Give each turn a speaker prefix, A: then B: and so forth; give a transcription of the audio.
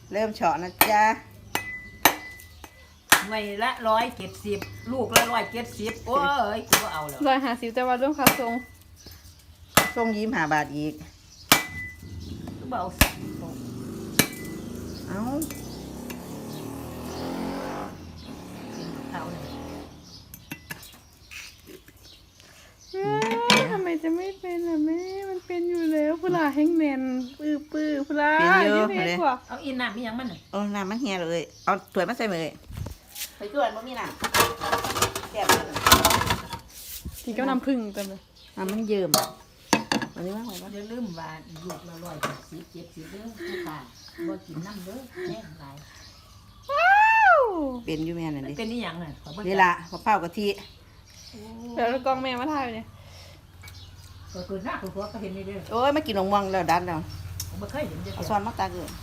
A: เริ่มเฉาะนะจ๊ะ
B: ไม่ละ170ลูกละ170โอ้ยกูก็เอาแล้ว
C: 150แต่ว่าร่วมค่าส่ง
A: ส่ง25 บาทอีก
B: กูบ่เอา
A: เอ้า
B: เท่าเลย
C: ทำไมจะไม่เป็นล่ะแม่มันเป็นอยู่แล้วพุลาแห้งแน่นปื้อพุลา
A: เป็นเยอะ
C: เย
A: เลย
C: กว่า
B: เอาอีน้ำมีหยังมันน่ะ
A: โอ้น้ำมันเฮียเลยเอาถ้วยมาใส่มือไปถ้วยบ่มีน้ำแซ่บเลย
C: กินก็น้ำผึ้งเต็มเลย
A: น้ำมันเยิ้มอันนี้ว่าไงวะ
B: อย่าลืมว่าลูกละ170เด้อผู้ค้าบ่กินน้ำเด้อแน่หลาย
C: ว้าว
A: เป็นอยู่แม่นั่น
B: มัน
A: ดิ
B: เป็นอีหยังน่ะข้อยบ่
A: นี่ล่ะมะพร้าวกะทิ
C: เดี๋ยวกองแม่มาถ่ายไปเนี่ย
B: ก็คือหน้าคือหัวก็เห็นนี่เด้อ
A: โอ้ยมากินนมม่วงแล้วดันแล้ว
B: ผมบ่เคยเห็นจัง
A: เอา
B: ซี่
A: ซ้อนมาตักเลย